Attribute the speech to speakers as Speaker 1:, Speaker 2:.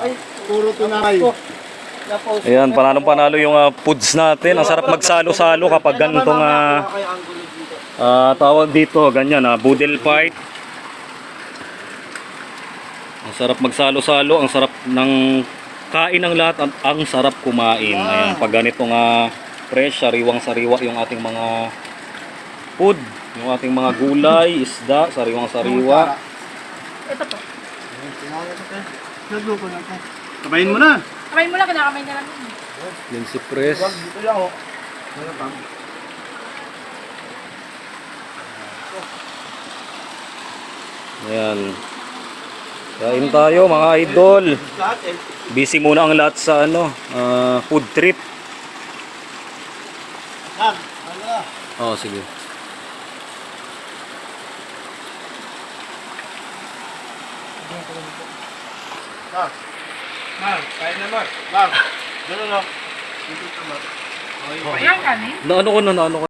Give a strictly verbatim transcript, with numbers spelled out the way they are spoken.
Speaker 1: Ay, puro tunay.
Speaker 2: Ayan, panalong-panalo yung uh, foods natin. Ang sarap magsalo-salo kapag ganitong uh, uh, tawag dito, ganyan, uh, boodle fight. Ang sarap magsalo-salo, ang sarap ng kain ng lahat, ang, ang sarap kumain. Ayan, pag ganitong uh, fresh, sariwang-sariwa yung ating mga food, yung ating mga gulay, isda, sariwang-sariwa.
Speaker 3: Ito po.
Speaker 1: Kabayin mo na.
Speaker 3: Kamay mo lang, kinakamay na lang yun.
Speaker 2: Linsi press.
Speaker 1: Dito lang oh.
Speaker 2: Ayan. Kain tayo mga idol. Busy muna ang lahat sa ano, uh, food trip. Oh, sige.
Speaker 1: Mark. Mark, kain na Mark. Mark. Dito na. Dito na Mark.
Speaker 3: Ayan kanin.
Speaker 2: Na ano ko na, na ano ko.